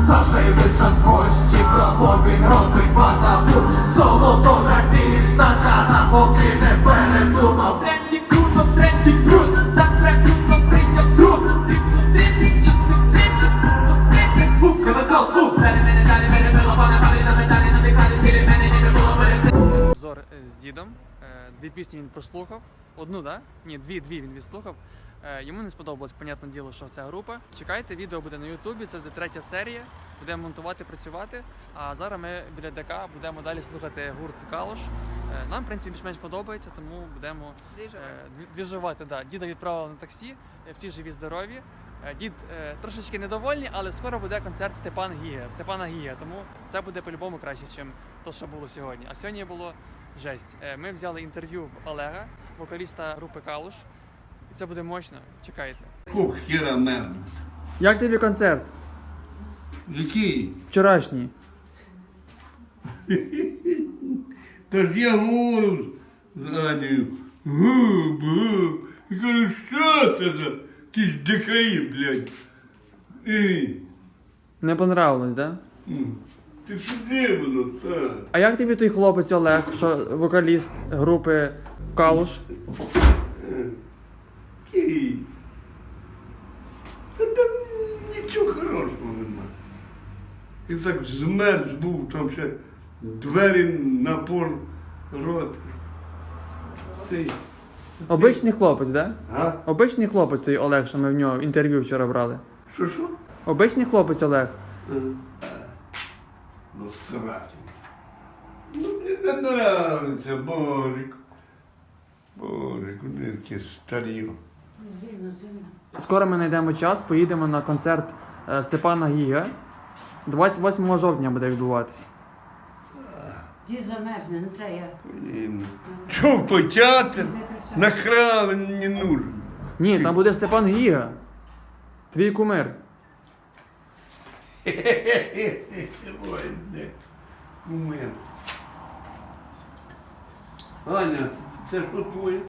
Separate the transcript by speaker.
Speaker 1: Засивися в кості, браво він робить ватабу. Золото на піста, ката, поки не передумав.
Speaker 2: Тренді круто, тренді крут, так прикрутно прийняв труд. Тренді, бубка на колбу. Обзор з дідом. Дві пісні він прослухав. Одну, да? Ні, дві він відслухав. Йому не сподобалось, понятне діло, що це група. Чекайте, відео буде на Ютубі, це буде 3-я серія. Будемо монтувати, працювати. А зараз ми біля ДК будемо далі слухати гурт Калуш. Нам, в принципі, більш-менш подобається, тому будемо двіжувати. Да. Діда відправили на таксі, всі живі, здорові. Дід трошечки недовольний, але скоро буде концерт Степана Гіга, тому це буде по-любому краще, ніж те, що було сьогодні. А сьогодні було жесть. Ми взяли інтерв'ю в Олега, вокаліста групи Калуш. І це буде мощно. Чекайте.
Speaker 3: Кух хера мерз.
Speaker 2: Як тобі концерт?
Speaker 3: Який?
Speaker 2: Вчорашній.
Speaker 3: Та ж я говорю з Анею. Гу-бу. Я кажу, що це за якісь дикаї, блядь.
Speaker 2: Не понравилось, да?
Speaker 3: Ти куди воно, так?
Speaker 2: А як тобі той хлопець Олег, що вокаліст групи Калуш?
Speaker 3: Який? Та там нічого хорошого нема. І так змерз був, там ще двері на пол рот. Цей.
Speaker 2: Обичний хлопець, да?
Speaker 3: А?
Speaker 2: Обичний хлопець той Олег, що ми в нього інтерв'ю вчора брали.
Speaker 3: Що?
Speaker 2: Обичний хлопець Олег.
Speaker 3: Ну, срать. Ну, мені не нравиться, Божик. Божик, вони такі старі.
Speaker 2: Скоро ми знайдемо час, поїдемо на концерт Степана Гіга. 28 жовтня буде відбуватись.
Speaker 4: Ті замерзне, ну це я.
Speaker 3: Чув потяти? Нахрена він не нужен.
Speaker 2: Ні, там буде Степан Гіга. Твій кумир.
Speaker 3: Ой, де. Кумир. Аня, це що твоє?